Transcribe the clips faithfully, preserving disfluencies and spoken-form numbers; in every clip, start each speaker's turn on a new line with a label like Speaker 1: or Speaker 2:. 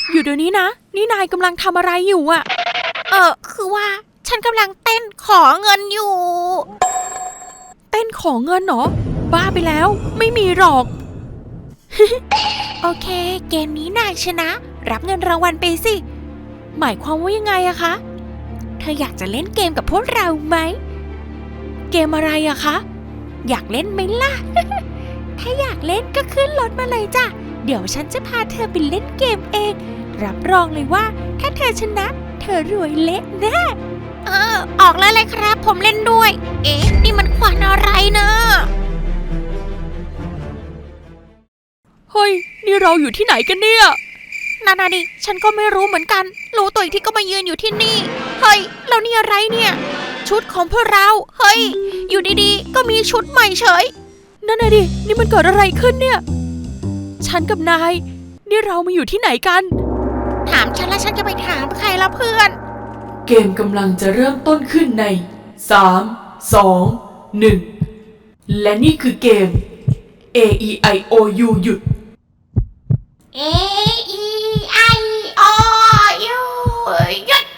Speaker 1: อยู่เดี๋ยวนี้นะนี่นายกำลังทำอะไรอยู่อะเออคือว่าฉันกำลังเต้นขอเงินอยู่เต้นขอเงินเหรอบ้าไปแล้วไม่มีหรอก โอเคเกมนี้นายชนะรับเงินรางวัลไปสิหมายความว่ายังไงอะคะเธออยากจะเล่นเกมกับพวกเราไหมเกมอะไรอะคะอยากเล่นไหมล่ะ ถ้าอยากเล่นก็ขึ้นรถมาเลยจ้ะเดี๋ยวฉันจะพาเธอไปเล่นเกมเองรับรองเลยว่าถ้าเธอชนะเธอรวยเละแน่เออออกแล้วเลยครับผมเล่นด้วยเอ๊ะนี่มันควันอะไรนะเฮ้ยนี่เราอยู่ที่ไหนกันเนี่ยนานาดิฉันก็ไม่รู้เหมือนกันรู้ตัวอีกที่ก็มายืนอยู่ที่นี่เฮ้ยแล้วนี่อะไรเนี่ยชุดของพวกเราเฮ้ยอยู่ดีๆก็มีชุดใหม่เฉยนั่นน่ะดินี่มันเกิดอะไรขึ้นเนี่ยฉันกับนายนี่เรามาอยู่ที่ไหนกันถามฉันแล้วฉันจะไปถามใครละเพื่อน
Speaker 2: เกมกำลังจะเริ่มต้นขึ้นในสาม สอง หนึ่งและนี่คือเกม A E I O U หยุด
Speaker 1: A E I O U หยุด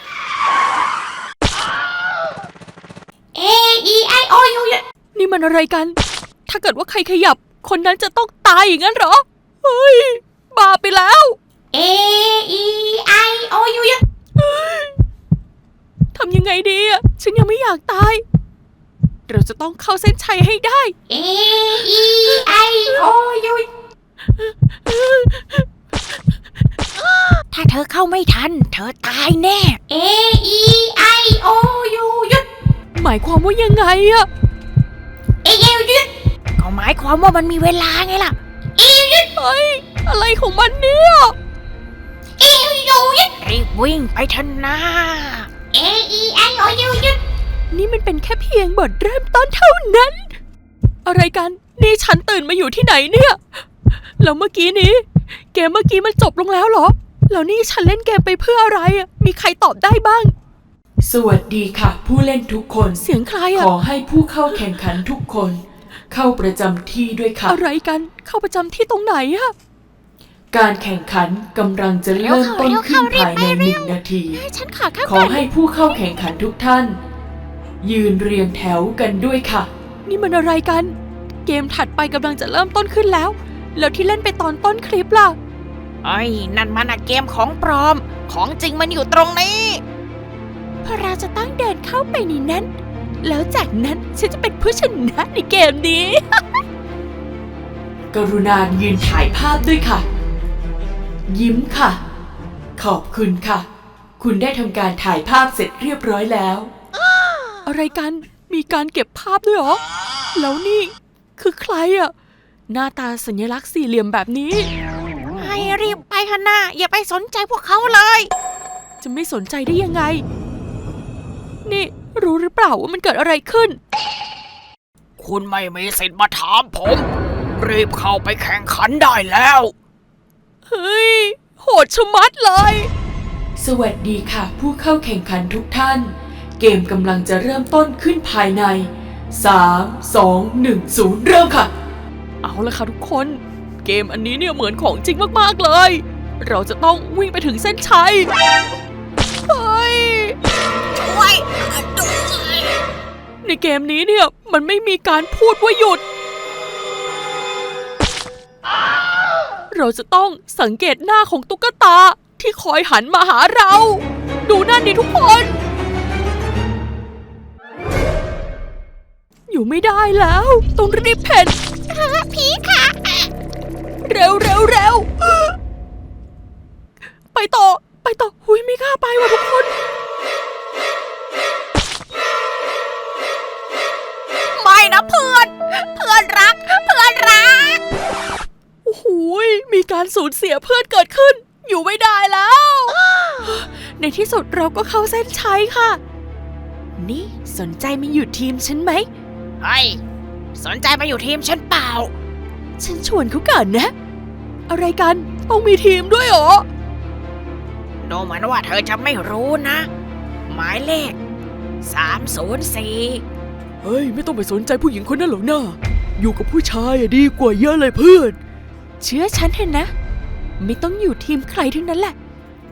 Speaker 1: A E I O U หยุดนี่มันอะไรกันถ้าเกิดว่าใครขยับคนนั้นจะต้องตายอย่างนั้นเหรอเฮ้ยบ้าไปแล้ว A E I O U หยุดทำยังไงดีอ่ะฉันยังไม่อยากตายเราจะต้องเข้าเส้นชัยให้ได้ A E I O U ถ้าเธอเข้าไม่ทันเธอตายแน่ A E I O U หยุดหมายความว่ายังไงอะเอเอหยุดก็หมายความว่ามันมีเวลาไงล่ะเอหยุดเฮ้ยอะไรของมันเนี่ยเอหยุดรีบวิ่งไปเถอะนะ A E I O U หยุดนี่มันเป็นแค่เพียงบทเริ่มต้นเท่านั้นอะไรกันนี่ฉันตื่นมาอยู่ที่ไหนเนี่ยแล้วเมื่อกี้นี้เกมเมื่อกี้มันจบลงแล้วเหรอแล้วนี่ฉันเล่นเกมไปเพื่ออะไรอ่ะมีใครตอบได้บ้าง
Speaker 2: สวัสดีค่ะผู้เล่นทุกคน
Speaker 1: เสียงใครอ่ะ
Speaker 2: ขอให้ผู้เข้าแข่งขันทุกคนเข้าประจำที่ด้วยค่ะ
Speaker 1: อะไรกันเข้าประจำที่ตรงไหนอะ
Speaker 2: การแข่งขันกำลังจะเริ่มต้นขึ้นภายในหนึ่งนาทีขอให้ผู้เข้าแข่งขันทุกท่านยืนเรียงแถวกันด้วยค่ะ
Speaker 1: นี่มันอะไรกันเกมถัดไปกำลังจะเริ่มต้นขึ้นแล้วแล้วที่เล่นไปตอนต้นคลิปล่ะไอ้นั่นมันอะเกมของปลอมของจริงมันอยู่ตรงนี้พอเราจะต้องเดินเข้าไปในนั้นแล้วจากนั้นฉันจะเป็นผู้ชนะในเกมนี้
Speaker 2: กรุณายืนถ่ายภาพด้วยค่ะยิ้มค่ะขอบคุณค่ะคุณได้ทำการถ่ายภาพเสร็จเรียบร้อยแล้ว
Speaker 1: อะไรกันมีการเก็บภาพด้วยเหรอแล้วนี่คือใครอะหน้าตาสัญลักษณ์สี่เหลี่ยมแบบนี้ให้รีบไปเถอะนะอย่าไปสนใจพวกเขาเลยจะไม่สนใจได้ยังไงนี่รู้หรือเปล่าว่ามันเกิดอะไรขึ้น
Speaker 3: คุณไม่มีสิทธิ์มาถามผมรีบเข้าไปแข่งขันได้แล้ว
Speaker 1: เฮ้ยโหดชะมัดเลย
Speaker 2: สวัสดีค่ะผู้เข้าแข่งขันทุกท่านเกมกำลังจะเริ่มต้นขึ้นภายในสาม สอง หนึ่ง ศูนย์เริ่มค่ะ
Speaker 1: เอาละค่ะทุกคนเกมอันนี้เนี่ยเหมือนของจริงมากๆเลยเราจะต้องวิ่งไปถึงเส้นชัยเฮ้ยช่วยด้วยในเกมนี้เนี่ยมันไม่มีการพูดว่าหยุดเราจะต้องสังเกตหน้าของตุ๊กตาที่คอยหันมาหาเราดูนั่นดิทุกคนอยู่ไม่ได้แล้วต้องรีบเพ่นผีค่ะเร็วเร็วเร็วไปต่อไปต่อหุยไม่กล้าไปว่ะทุกคนไม่นะเพื่อนเพื่อนรักเพื่อนรักโอ้โหมีการสูญเสียเพื่อนเกิดขึ้นอยู่ไม่ได้แล้วในที่สุดเราก็เข้าเส้นชัยค่ะนี่สนใจมาอยู่ทีมฉันไหม
Speaker 3: เฮ้ยสนใจมาอยู่ทีมฉันเปล่า
Speaker 1: ฉันชวนเขาก่อนนะอะไรกันต้องมีทีมด้วยเหรอ
Speaker 3: ดูเหมือนว่าเธอจะไม่รู้นะหมายเลขสามศูนย์สี่
Speaker 1: เฮ้ยไม่ต้องไปสนใจผู้หญิงคนนั้นหรอกนะอยู่กับผู้ชายดีกว่าเยอะเลยเพื่อนเชื่อฉันเถอะนะไม่ต้องอยู่ทีมใครทั้งนั้นแหละ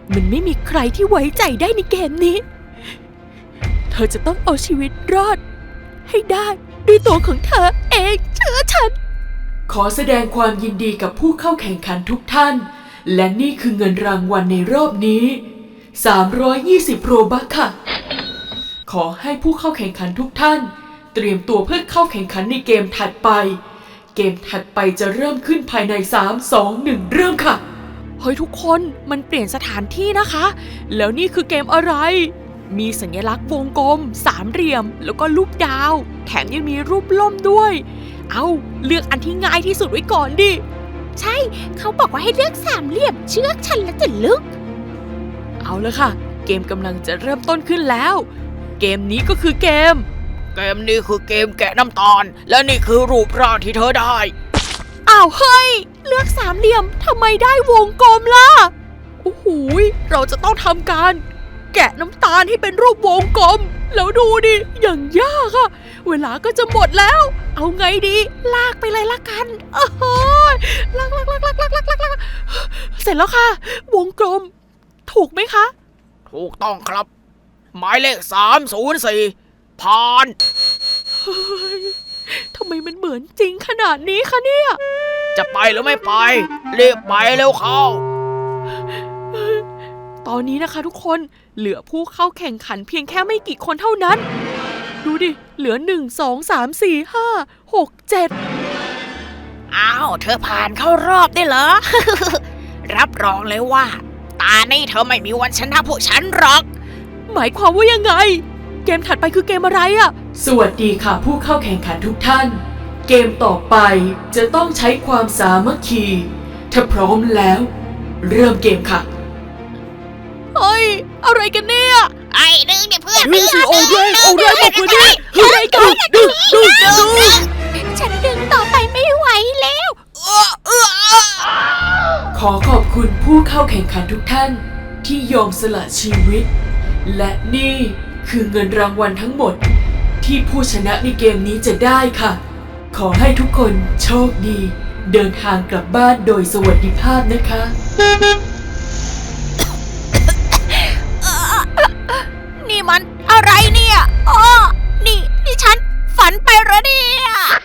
Speaker 1: มันไม่มีใครที่ไว้ใจได้ในเกมนี้ เธอจะต้องเอาชีวิตรอด ให้ได้ด้วยตัวของเธอเองเชื่อฉัน
Speaker 2: ขอแสดงความยินดีกับผู้เข้าแข่งขันทุกท่าน และนี่คือเงินรางวัลในรอบนี้ สามร้อยยี่สิบ โรบัคค่ะ ขอให้ผู้เข้าแข่งขันทุกท่าน เตรียมตัวเพื่อเข้าแข่งขันในเกมถัดไป เกมถัดไปจะเริ่มขึ้นภายใน สาม สอง หนึ่ง เริ่มค่ะ
Speaker 1: เฮ้ยทุกคนมันเปลี่ยนสถานที่นะคะ แล้วนี่คือเกมอะไร มีสัญลักษณ์วงกลม สามเหลี่ยม แล้วก็รูปดาว แถมยังมีรูปล่มด้วย เอาเลือกอันที่ง่ายที่สุดไว้ก่อนดิ ใช่ เขาบอกว่าให้เลือกสามเหลี่ยมเชือกฉันแล้วจะลึก เอาละค่ะ เกมกำลังจะเริ่มต้นขึ้นแล้ว เกมนี้ก็คือเกม
Speaker 3: เกมนี้คือเกมแกะน้ำตาล และนี่คือรูปร่างที่เธอได้
Speaker 1: อ้าวเฮ้ยเลือกสามเหลี่ยมทำไมได้วงกลมล่ะ โอ้โหยเราจะต้องทำการ แกะน้ำตาลให้เป็นรูปวงกลม แล้วดูดิอย่างยากอะเวลาก็จะหมดแล้ว เอาไงดี ลากไปเลยละกันโอ้โหยลากลากลากลากลากลากลากลากเสร็จแล้วค่ะ วงกลม ถูกไหมคะ
Speaker 3: ถูกต้องครับ หมายเลขสามศูนย์สี่ผ่าน
Speaker 1: เฮ้ยทำไมมันเหมือนจริงขนาดนี้คะเนี่ย
Speaker 3: จะไปหรือไม่ไปรีบไปเร็วเข้า
Speaker 1: ตอนนี้นะคะทุกคนเหลือผู้เข้าแข่งขันเพียงแค่ไม่กี่คนเท่านั้น ดูดิ เหลือหนึ่ง สอง สาม สี่ ห้า หก เจ็ด
Speaker 3: อ้าว เธอผ่านเข้ารอบได้เหรอ รับรองเลยว่า ตานี่เธอไม่มีวันชนะพวกฉันหรอก
Speaker 1: หมายความว่ายังไง เกมถัดไปคือเกมอะไรอะ
Speaker 2: สวัสดีค่ะผู้เข้าแข่งขันทุกท่าน เกมต่อไปจะต้องใช้ความสามัคคี ถ้าพร้อมแล้ว เริ่มเกมค่ะ
Speaker 1: เฮ้ย อะไรกันเนี่ย
Speaker 3: ไอ้ดึงเนี่ยเพื่อน
Speaker 1: ดึงสิโอเรนโอเรนบอกว่านี่อะไรกันดึงดึงดึง
Speaker 3: ฉันดึงต่อไปไม่ไหวแล้ว
Speaker 2: ขอขอบคุณผู้เข้าแข่งขันทุกท่านที่ยอมสละชีวิต และนี่คือเงินรางวัลทั้งหมด ที่ผู้ชนะในเกมนี้จะได้ค่ะ ขอให้ทุกคนโชคดี เดินทางกลับบ้านโดยสวัสดิภาพนะคะ
Speaker 3: นี่มันอะไรเนี่ยอ๋อนี่นี่ฉันฝันไปเหรอเนี่ย